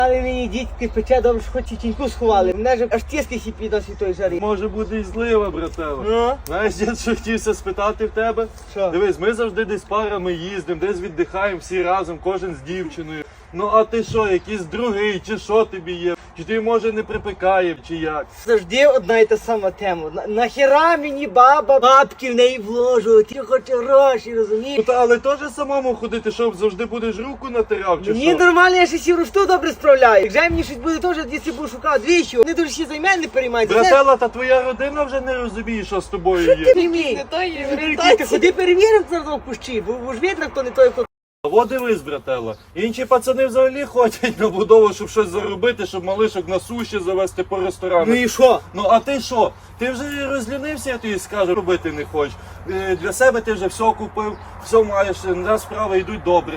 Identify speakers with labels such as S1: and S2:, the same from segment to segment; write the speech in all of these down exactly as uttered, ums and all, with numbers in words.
S1: Але мені дітки пече добре, що хоч і тіньку сховали. Мене ж аж тіски сіпі до світої жари.
S2: Може буде і злива, брателло.
S1: Ну?
S2: Знаєш, я що хотівся спитати в тебе?
S1: Що?
S2: Дивись, ми завжди десь парами їздимо, десь віддихаємо всі разом, кожен з дівчиною. Ну а ти що, якийсь другий, чи що тобі є? Чи ти, може, не припекає, чи як?
S1: Завжди одна і та сама тема. На- Нахера мені баба бабки в неї вложу? Ти хочеш гроші, розумієш?
S2: Ну, та, але теж самому ходити, що завжди будеш руку натирав, чи
S1: Мені
S2: що?
S1: нормально, я ще сі рушту добре справляю. Якщо мені щось буде теж, якщо буду шукати двічі, вони дуже ще за мене не переймаються.
S2: Братела, та твоя родина вже не розуміє, що з тобою
S1: Що ти
S2: є.
S1: не мій?
S3: Не то є
S1: Ти
S3: орієнтація.
S1: ходи перевіримо це в кущі, бо бо ж видно, хто не той, хто...
S2: Во дивись, брателло. Інші пацани взагалі ходять на будову, щоб щось заробити, щоб малишок на суші завести по
S1: Ну
S2: ресторанах.
S1: і що?
S2: Ну а ти що? Ти вже розлінився, я тобі скажу, робити не хочеш. Е, Для себе ти вже все купив, все маєш, на справи йдуть добре.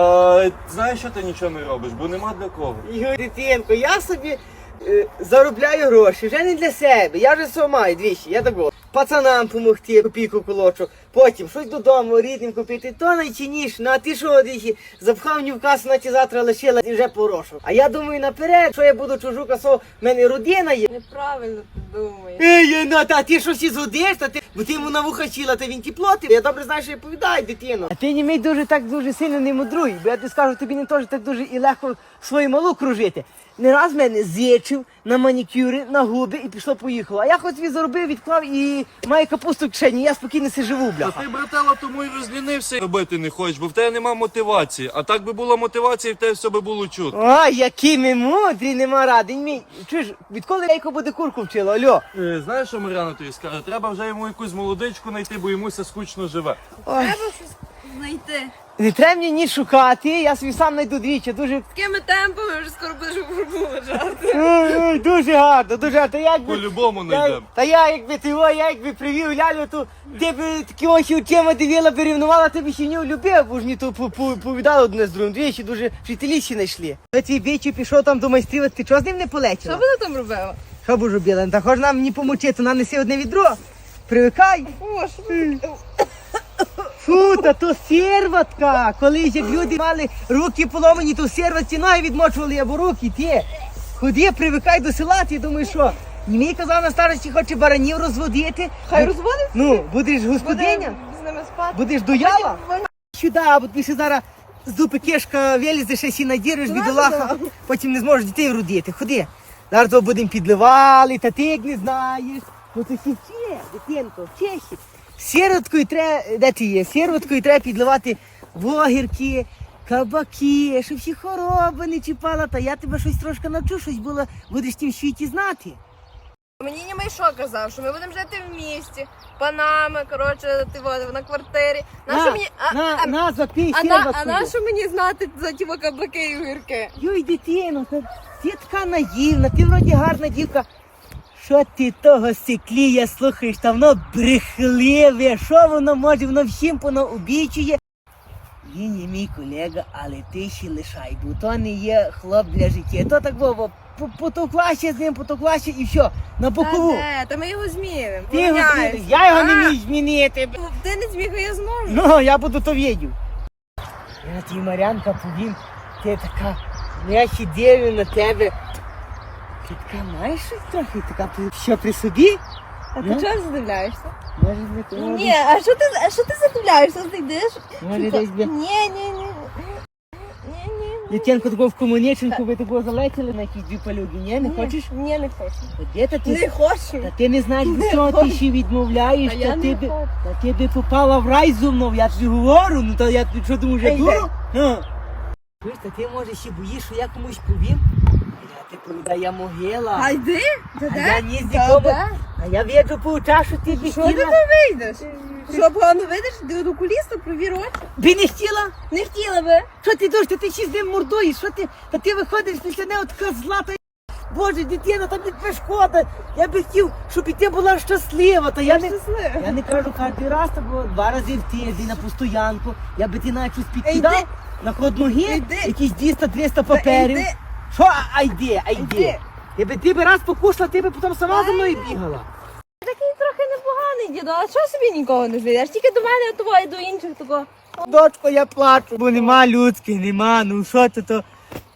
S2: А знаєш, що ти нічого не робиш, бо нема для кого.
S1: Ігор, дитинко, я собі е, заробляю гроші, вже не для себе, я вже все маю двічі, я такого. Пацанам помогти, копійку колочок, потім щось додому рідним купити, то найчинніше. Ну а ти що, двічі, запхав мені в касу, на ті завтра лишила і вже порошок. А я думаю наперед, що я буду чужу касу, в мене родина є.
S3: Неправильно ти думаєш.
S1: Ей, ну та ти що всі згодиш, та ти, бо ти йому на вуха чіла, та він ті платив. Я добре знаю, що я повідаю, дитино. А ти не мій дуже так дуже сильно не мудруй, бо я тобі скажу, тобі не теж так дуже і легко свою малу кружити. Не раз мене з'їчив на манікюри, на губи і пішло-поїхало. А я хоч собі заробив, відклав і маю капусту в кишені, я спокійно си живу,
S2: А
S1: бляха.
S2: ти, брателло, тому й розлінився робити не хочеш, бо в тебе нема мотивації. А так би була мотивація, і в тебе все би було чутно.
S1: Ой, які ми мудрі, нема ради. Мій. Чуєш, відколи яйко буде курку вчила, альо?
S2: Е, Знаєш, що Мар'яна тобі скаже? Треба вже йому якусь молодичку знайти, бо йомуся скучно живе.
S1: Ой,
S3: Треба щось знайти.
S1: не треба мені ні шукати, я собі сам знайду двічі, дуже...
S3: Такими темпами вже скоро будеш у фурбу лежати.
S1: Ой, ой, дуже гарно, дуже гарно. Та якби...
S2: По-любому
S1: Я,
S2: знайдемо.
S1: та я якби ти о, я якби привів лялю, то ти б такі очі очима дивила, перевнувала, ти б ще не влюбив, бо ж мені то по- по- повідали одне з другим. Двічі дуже вчителі ще знайшли. Та цей бічі пішов там до майстрів, ти чого з ним не
S3: Що
S1: полетіла?
S3: вона там робила?
S1: Що б робила? Та хоч нам не помочи, то нам неси одне відро. Привикай.
S3: О, що ти?
S1: Фу, та то серватка. Колись як люди мали руки поломані, то в серватці ноги відмочували або руки. Ти ходи, привикай до села, ти думаєш, що? Мені казав на старості, хоче баранів розводити.
S3: Хай
S1: Бу-
S3: розводиться.
S1: Ну, будеш господиня,
S3: Буде з ними спати.
S1: будеш дояла. Сюди, бо ти ще зараз з дупи кишка вилізе, ще сі надіриш, бідолаха, потім не зможеш дітей вродити. Ходи. Зараз то будемо підливали, та ти як не знаєш. Ну то всі вчи, дитинко, вчешся. Сіроткою треба, де ти є? Сіроткою треба підливати вогірки, кабаки, щоб всі хвороби не чіпала. Та я тебе щось трошки навчу, щось було, будеш в тім світі знати.
S3: Мені німей що казав, що ми будемо жити в місті, панами, коротше, ти вот, на квартирі. Нащо
S1: На,
S3: мені... А,
S1: на,
S3: а,
S1: на, запій
S3: а, на, а
S1: сіроткою.
S3: нащо мені знати за ті каблуки і огірки?
S1: Йой, дитино, та ти така наївна, ти вроді гарна дівка. Що ти того сиклія слухаєш, та воно брехливе, що воно може, воно всім воно обічує. Він є мій колега, але ти ще лишай, бо то не є хлоп для життя. То так, Вова, потовклася з ним, потовклася і все, на бокову.
S3: Та де, та ми його змінимо.
S1: Ти його
S3: поміняємося.
S1: зміниш, я його не
S3: А,
S1: міг змінити.
S3: ну, Ти не зміг, а я зможу.
S1: Ну, я буду то відів. Я ті, Марянка, повім, ти така, я ще дивлю на тебе. Ти така маєш щось трохи, така при- що при собі?
S3: А ти
S1: Ну?
S3: чого задивляєшся?
S1: Може, не то.
S3: Ні, а що ти, а що ти задивляєшся? Ти йдеш?
S1: Може,
S3: Що-
S1: десь би-
S3: Ні, ні, ні. Ні, ні.
S1: Дитянко такого в комуніченку, ви такого залетіли на якісь дві палюги, ні? Не хочеш?
S3: Ні, не хочу.
S1: Де та ти?
S3: Не хочу.
S1: Та ти не знаєш,
S3: Не
S1: до чого ти
S3: хочу.
S1: ще відмовляєш,
S3: А
S1: та
S3: я
S1: ти
S3: не
S1: би,
S3: хочу.
S1: та ти би попала в рай зо мною, я тобі говорю, ну та я тобі що думаю, вже
S3: Ей,
S1: дуру? Ну. Чуєш, та ти може ще боїш, що я комусь повім? А я ти повідаю, я могила.
S3: А йди?
S1: А
S3: Та
S1: я
S3: де?
S1: ні з
S3: Та
S1: нікому.
S3: де?
S1: А я віджу по очах, що ти б
S3: Що ти
S1: хотіла.
S3: не вийдеш? Що, погано видиш? Ти до окуліста, провір очі.
S1: Би не хотіла?
S3: Не хотіла би.
S1: Що ти дощ, та ти ще з ним мордуєш, що ти, та ти виходиш після неї така злата. Боже, дитина, там не тебе шкода. Я би хотів, щоб і ти була щаслива. Та я, не,
S3: щаслива.
S1: я не кажу кожен раз, та було два рази в тиждень на постоянку. Я би ти навіть щось
S3: Ей,
S1: підкидав
S3: йди.
S1: на ход ноги,
S3: Йди.
S1: якісь двісті-триста паперів.
S3: йди.
S1: Що, а йди, а йди.
S3: Йди.
S1: Я би ти би раз покушала, ти би потім сама за мною бігала.
S3: Такий трохи непоганий діду, а чого собі нікого не звідеш? Тільки до мене того і до інших такого.
S1: Дочко, я плачу, бо нема людських, нема, ну що ти то.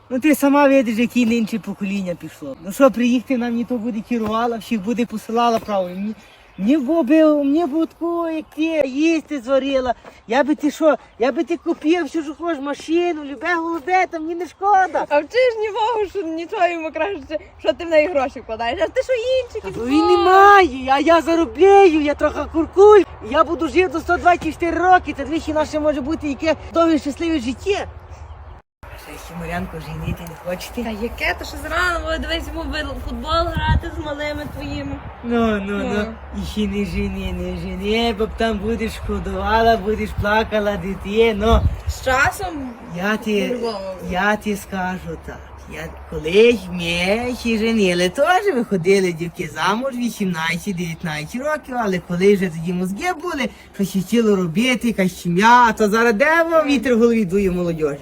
S1: Ну ти сама видиш, яке інше покоління пішло. Ну що, приїхати нам ні то буде керувала, всіх буде посилала правильно. Мені, мені б би, мені б такого, як ти, їсти зварила. Я би ти що, я би ти купив, що ж хочеш, машину, любе голубе, там мені не шкода.
S3: А вчиш нікого, що нічого йому краще, що ти в неї гроші вкладаєш, а ти що інші?
S1: Та він немає, а я заробляю, я трохи куркуль. Я буду жити до сто двадцять чотири роки, та двічі наше може бути яке довге щасливе життя. Ще Марянко женити не хочете?
S3: Та яке, то що зрано, бо дивись йому в футбол грати з малими твоїми.
S1: Ну, ну, ну,
S3: Ну.
S1: і ще не жени, не жени, бо там будеш шкодувала, будеш плакала дитину.
S3: З часом
S1: Я ти,
S3: По-любому.
S1: я ти скажу так. Я колись ми ще женили, теж виходили дівки замуж вісімнадцять-дев'ятнадцять років, але коли вже тоді мозги були, що ще хотіло робити, якась сім'я, а то зараз де вам вітер в голові дує молодіж.